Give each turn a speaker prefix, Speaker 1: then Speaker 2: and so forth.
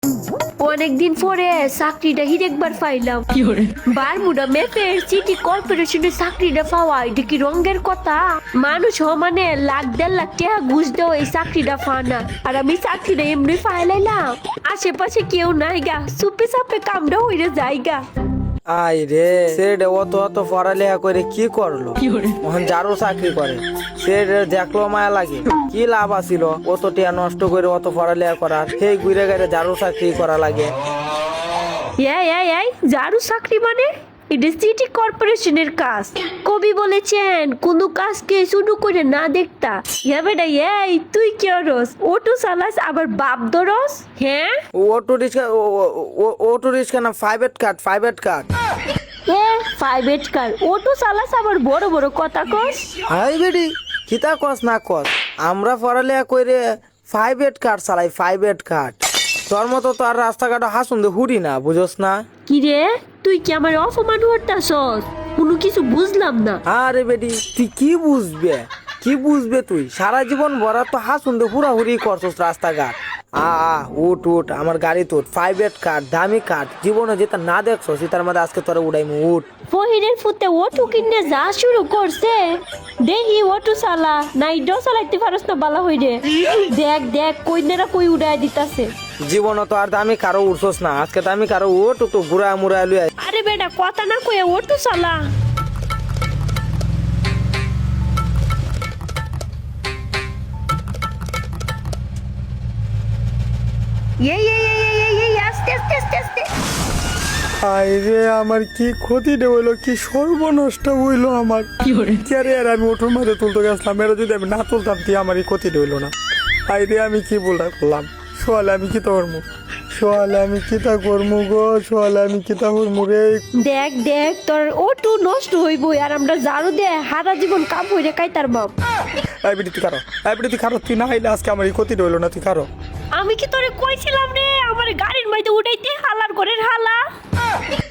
Speaker 1: অনেকদিন পরে চাকরিটা হিরেকবার পাইলাম। বারমুডা ম্যাপের সিটি কর্পোরেশনের চাকরিটা পাওয়া এটা কি রঙের কথা? মানুষ মানে লাখ 1.5 লাখ টাকা ঘুষ দেওয়া এই চাকরিটা পানা, আর আমি চাকরিটা এমনি পাইলাম। আশেপাশে কেউ নাই গা, চুপে চাপে কামড়া হইরে যাইগা।
Speaker 2: আই রে সেটা অত অত পড়ালেখা করে কি করলো? এখন যারও চাকরি করে সে দেখলো মায়া লাগে। কি লাভ আছিল অত টিয়া নষ্ট করে অত পড়ালেখা করার? সেই ঘুরে গেলে যারও চাকরি করা লাগে।
Speaker 1: এই যারু চাকরি মানে এটা সিটি কর্পোরেশনের কাজ। কবি বলেছেন কোন কাজকে শুরু করে না দেখতা। বেটা এই তুই কি করস? অটো চালাস আবার বাপ ধরস? হ্যাঁ
Speaker 2: অটো রিক্সা না, private car.
Speaker 1: Private car auto চালাস আবার বড় বড় কথা কস।
Speaker 2: হাই বেডি কিতা কস না কস, আমরা পড়ালেখা করে প্রাইভেট কার চালাই, প্রাইভেট কার। তোর মতো তো আর রাস্তাঘাটে হাসুন দে হুড়ি না, বুঝোস না?
Speaker 1: কি রে তুই কি আমার অপমান করতাছস? কোনো কিছু বুঝলাম না।
Speaker 2: আরে বেডি তুই কি বুঝবে তুই সারা জীবন ভরা তো হাসুন দে হুড়াহুড়ি করছস রাস্তাঘাট। উঠ আমার গাড়ি তোর, প্রাইভেট কার, দামি কার। জীবনে যেটা না দেখছস তার মধ্যে আজকে তোরা উড়াইমু। উঠ।
Speaker 1: ফহিরের ফুতে অটো কিনে যা শুরু করছে, দেখি অটো চালা নাই ডো চালাইতে পারস না বালা হইরে। দেখ কইনেরা কই উড়াই দিতাছে।
Speaker 2: জীবনে তো আর দামি কারো উঠছস না, আজকে দামি কারো উঠ, একটু ঘুরা মুড়া লুই।
Speaker 1: আরে বেটা কথা না কয়ে অটো চালা। এই আস্তে আস্তে।
Speaker 2: আরে আমার কি ক্ষতি হইলো, কি সর্বনষ্ট হইলো আমার। আরে আর আমি ওঠোর মাঝে তুলতে গেছিলাম, এরা যদি আমি না তুলতাম তুই আমার এই ক্ষতি হইলো না। আরে আমি কি বলটা করলাম? সোয়ালে আমি কিতা করবো? আমি কিতা করবো রে?
Speaker 1: দেখ তোর অটো নষ্ট হইব আর আমরা জারু দে হারা জীবন কাম হইরে কাইতার বাপ।
Speaker 2: তুই খারো তুই না হইলে আজকে আমার এই ক্ষতি হইলো না, তুই খারো।
Speaker 1: আমি কি তোরে কইছিলাম রে আমার গাড়ির মধ্যে উঠাইতে? হালার ঘরের হালা।